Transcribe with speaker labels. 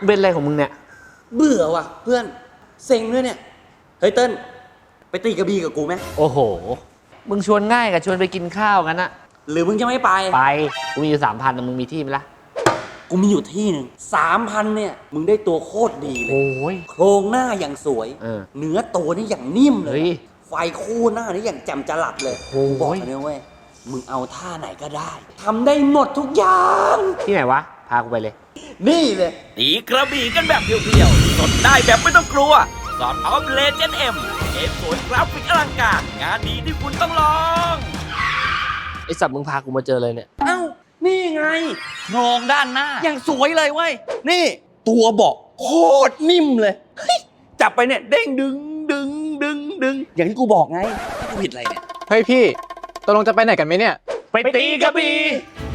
Speaker 1: เป็นอะไรของมึงเนี่ย
Speaker 2: เบื่อว่ะเพื่อนเซ็งด้วยเนี่ยเฮ้ยเติ้ลไปตีกระบี่กับกูไหม
Speaker 1: โอ้โหมึงชวนง่ายกับชวนไปกินข้าวกันนะ
Speaker 2: หรือมึงจะไม่ไป
Speaker 1: กูมีอยู่3,000แต่มึงมีที่ไหมล่ะ
Speaker 2: กูมีอยู่ที่หนึ่ง3,000เนี่ยมึงได้ตัวโคตรดีเลย
Speaker 1: โอ้ย
Speaker 2: โครงหน้าอย่างสวย เนื้อตัวนี่อย่างนิ่มเล
Speaker 1: เฮ้
Speaker 2: ย
Speaker 1: ย
Speaker 2: ไฟคู่หน้านี่อย่างแจ่มจรัสเลย
Speaker 1: โอ้ย
Speaker 2: กูบอกเลยเว้ยมึงเอาท่าไหนก็ได้ทำได้หมดทุกอย่าง
Speaker 1: ที่ไหนวะพากูไปเลย
Speaker 2: นี่เลย
Speaker 3: ตีกระบี่กันแบบเพียวๆสดได้แบบไม่ต้องกลัวสอดพร้อมเลเจนด์เอ็มเกมสวยกราฟิกอลังการ งานดีที่คุณต้องลอง
Speaker 1: ไอสัตว์มึงพากูมาเจอเลยเนี่ย
Speaker 2: เอ้านี่ไง
Speaker 3: โครงด้านหน้า
Speaker 2: อย่างสวยเลยเว้ยนี่ตัวเบาะโคตรนิ่มเลยเฮ้ยจับไปเนี่ยเด้งดึงอย่างที่กูบอกไงกูผิดอะไรเนี่ย
Speaker 4: เฮ้ยพี่ตกลงจะไปไหนกันไหมเนี่ย
Speaker 1: ไปตีกระบี่